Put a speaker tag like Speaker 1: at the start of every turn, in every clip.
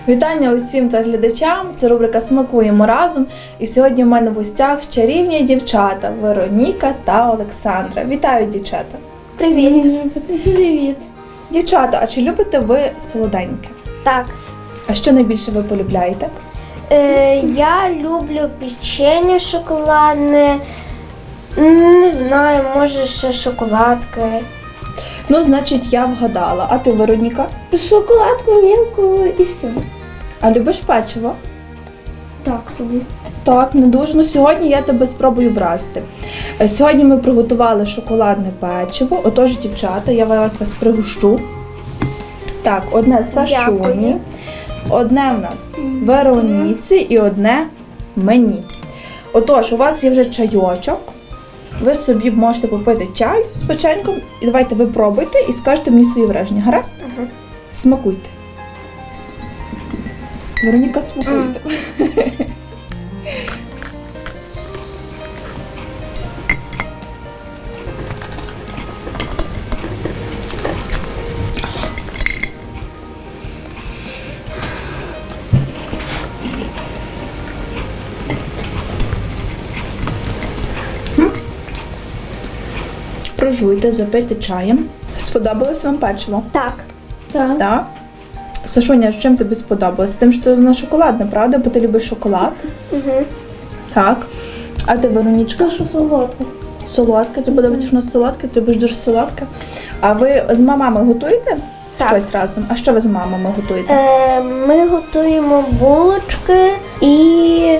Speaker 1: Вітання усім глядачам, це рубрика «Смакуємо разом». І сьогодні в мене в гостях чарівні дівчата Вероніка та Олександра. Вітаю, дівчата!
Speaker 2: Привіт! Привіт!
Speaker 1: Дівчата, а чи любите ви солоденьке?
Speaker 2: Так.
Speaker 1: А що найбільше ви полюбляєте?
Speaker 2: Я люблю печення шоколадне, не знаю, може ще шоколадки.
Speaker 1: Ну, значить, я вгадала. А ти, Вероніка?
Speaker 2: Шоколадку мілку і все.
Speaker 1: А любиш печиво?
Speaker 2: Так собі.
Speaker 1: Так, не дуже. Ну, сьогодні я тебе спробую вразити. Сьогодні ми приготували шоколадне печиво. Отож, дівчата, я вас пригощу. Так, одне Сашуні,
Speaker 2: Дякую.
Speaker 1: одне в нас Вероніці і одне мені. Отож, у вас є вже чайочок. Ви собі можете попити чай з печеньком. І давайте ви пробуйте і скажете мені свої враження. Гаразд?
Speaker 2: Ага.
Speaker 1: Смакуйте. Вероніка, смакуйте. Прожуйте, запийте чаєм. Сподобалось вам печиво?
Speaker 2: Так. Так.
Speaker 1: Так? Сашуня, з чим тобі сподобалось? Тим, що воно шоколадне, правда? Бо ти любиш шоколад.
Speaker 2: Угу.
Speaker 1: Так. А ти, Веронічка?
Speaker 2: Що солодке.
Speaker 1: Солодке? Тобі подобається, що воно солодке? Ти любиш дуже солодке? А ви з мамами готуєте
Speaker 2: Так.
Speaker 1: щось разом? А що ви з мамами готуєте?
Speaker 2: Ми готуємо булочки і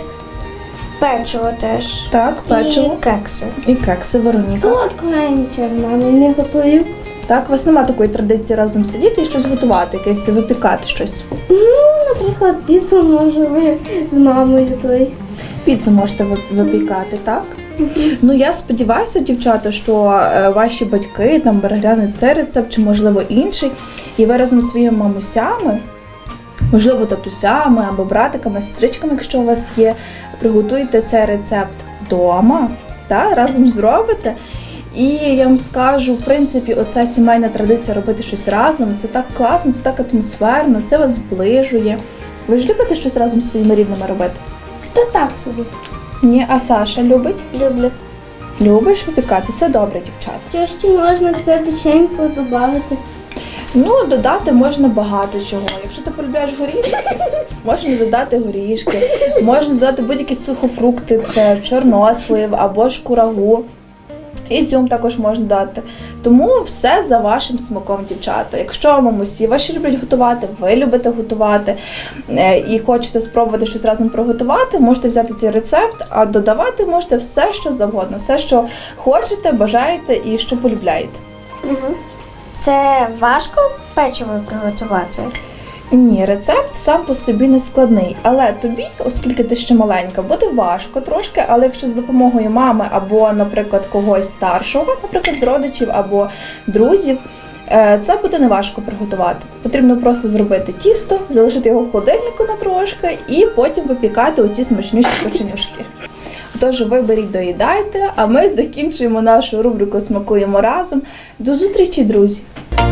Speaker 2: печиво теж.
Speaker 1: Так, печиво.
Speaker 2: І кекси.
Speaker 1: І кекси, Вероніка.
Speaker 2: Солодкого я нічого з мамою не готую.
Speaker 1: Так, у вас немає такої традиції разом сидіти і щось готувати, якесь випікати щось?
Speaker 2: Ну, наприклад, піцу може з мамою той.
Speaker 1: Піцу можете випікати, так? Ну, я сподіваюся, дівчата, що ваші батьки там переглянуть цей рецепт, чи, можливо, інший, і ви разом зі своїми мамусями, можливо, татусями або братиками, сестричками, якщо у вас є, приготуєте цей рецепт вдома, та, разом зробите. І я вам скажу, в принципі, оця сімейна традиція робити щось разом, це так класно, це так атмосферно, це вас зближує. Ви ж любите щось разом зі своїми рідними робити?
Speaker 2: Та так собі.
Speaker 1: Ні, а Саша любить?
Speaker 2: Люблю.
Speaker 1: Любиш випікати? Це добре, дівчата.
Speaker 2: Що ще можна це печенько додати?
Speaker 1: Ну, додати можна багато чого. Якщо ти полюбляєш горішки, можна додати горішки, можна додати будь-які сухофрукти, це чорнослив або ж курагу. Ізюм також можна додати. Тому все за вашим смаком, дівчата. Якщо мамусі ваші люблять готувати, ви любите готувати і хочете спробувати щось разом приготувати, можете взяти цей рецепт, а додавати можете все, що завгодно. Все, що хочете, бажаєте і що полюбляєте.
Speaker 2: Угу. Це важко печиво приготувати?
Speaker 1: Ні, рецепт сам по собі не складний, але тобі, оскільки ти ще маленька, буде важко трошки, але якщо з допомогою мами або, наприклад, когось старшого, наприклад, з родичів або друзів, це буде не важко приготувати. Потрібно просто зробити тісто, залишити його в холодильнику на трошки і потім випікати оці смачніші печенюшки. Тож ви беріть, доїдайте, а ми закінчуємо нашу рубрику «Смакуємо разом». До зустрічі, друзі!